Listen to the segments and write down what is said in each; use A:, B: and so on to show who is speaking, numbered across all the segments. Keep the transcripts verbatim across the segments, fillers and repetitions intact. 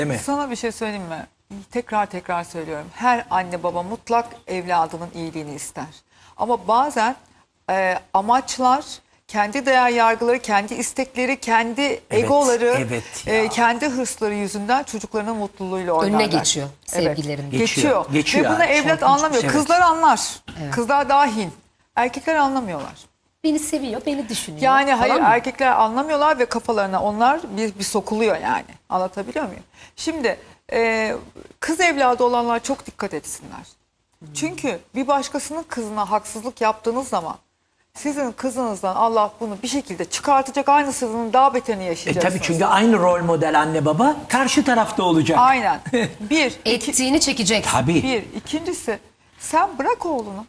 A: Değil mi?
B: Sana bir şey söyleyeyim mi? Tekrar tekrar söylüyorum. Her anne baba mutlak evladının iyiliğini ister. Ama bazen e, amaçlar, kendi değer yargıları, kendi istekleri, kendi egoları,
A: evet ya.
B: e, kendi hırsları yüzünden çocuklarının mutluluğuyla oynarlar.
C: Önüne geçiyor sevgilerin.
B: Evet, geçiyor.
A: Geçiyor.
B: Ve bunu
A: Çok
B: evlat
A: ilginç.
B: anlamıyor.
A: Evet.
B: Kızlar anlar. Kızlar dahil. Erkekler anlamıyorlar.
C: Beni seviyor, beni düşünüyor.
B: Yani hayır,
C: falan mı?
B: erkekler anlamıyorlar ve kafalarına onlar bir, bir sokuluyor yani. Anlatabiliyor muyum? Şimdi e, kız evladı olanlar çok dikkat etsinler. Çünkü bir başkasının kızına haksızlık yaptığınız zaman sizin kızınızdan Allah bunu bir şekilde çıkartacak, aynısının daha beterini
A: E
B: yaşayacaksınız.
A: tabii, çünkü aynı rol model anne baba karşı tarafta olacak.
B: Aynen. Bir, iki,
C: Ettiğini çekecek.
A: Tabii.
B: bir. İkincisi, sen bırak oğlunu.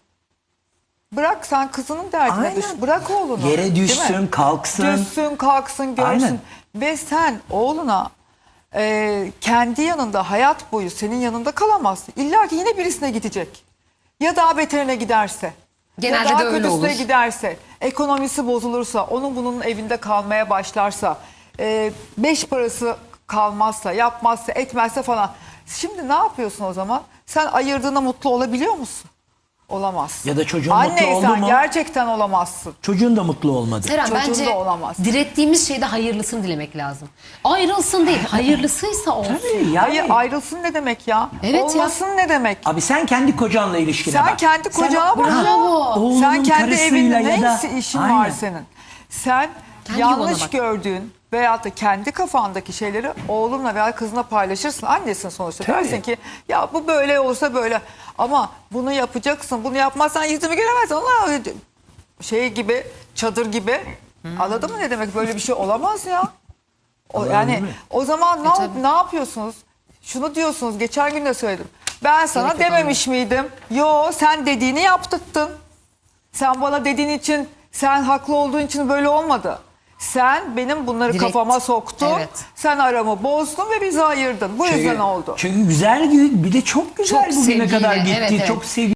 B: Bırak, sen kızının derdine
A: Aynen.
B: düş. Bırak oğlunu.
A: Yere
B: Değil mi?
A: düşsün, kalksın.
B: Düşsün, kalksın, görsün.
A: Aynen.
B: Ve sen oğluna e, kendi yanında hayat boyu senin yanında kalamazsın. İlla ki yine birisine gidecek. Ya daha beterine giderse.
C: Genelde
B: ya daha
C: de öyle
B: kötüsüne
C: olur.
B: giderse. Ekonomisi bozulursa, onun bunun evinde kalmaya başlarsa. E, beş parası kalmazsa, yapmazsa, etmezse falan. Şimdi ne yapıyorsun o zaman? Sen ayırdığına mutlu olabiliyor musun? Olamazsın.
A: Ya da çocuğun mutlu oldu
B: Anneysen
A: mu?
B: gerçekten olamazsın.
A: Çocuğun da mutlu olmadı.
C: Seren,
B: Çocuğun
C: bence
B: da olamaz.
C: direttiğimiz şeyde hayırlısını dilemek lazım. Ayrılsın değil, hayırlısıysa olsun.
A: Tabii yani.
B: Hayır, ayrılsın ne demek ya?
C: Evet ya.
B: Olmasın ne demek?
A: Abi sen kendi kocanla ilişkine
B: Sen
A: bak.
B: kendi kocana bak ya.
C: Bravo.
A: Oğlunun
B: Sen kendi
A: karısıyla
B: evinde
A: ya da-
B: neyse işin
A: Aynen.
B: var senin. Sen
C: Kendi yuvana
B: yanlış
C: bak.
B: gördüğün veyahut da kendi kafandaki şeyleri oğlunla veya kızına paylaşırsın. Annesin sonuçta.
A: Tabii.
B: Dersin ki ya bu böyle olsa böyle. Ama bunu yapacaksın. Bunu yapmazsan yüzümü göremezsin. Allah şey gibi, çadır gibi. Anladın mı ne demek? Böyle bir şey olamaz ya. O,
A: Anladın
B: yani
A: mı?
B: o zaman ne,
C: E, tabii.
B: ne yapıyorsunuz? Şunu diyorsunuz, geçen gün de söyledim. Ben sana
C: Gerek yok
B: dememiş miydim? Yo, sen dediğini yaptırttın. Sen bana dediğin için, sen haklı olduğun için böyle olmadı. Sen benim bunları
C: Direkt.
B: kafama soktun.
C: Evet.
B: Sen aramı bozdun ve bizi ayırdın. Bu yüzden oldu.
A: Çünkü güzel, bir de çok güzel
C: Çok
A: bugüne
C: sevgiyle,
A: kadar gitti.
C: evet, evet.
A: Çok sevgi.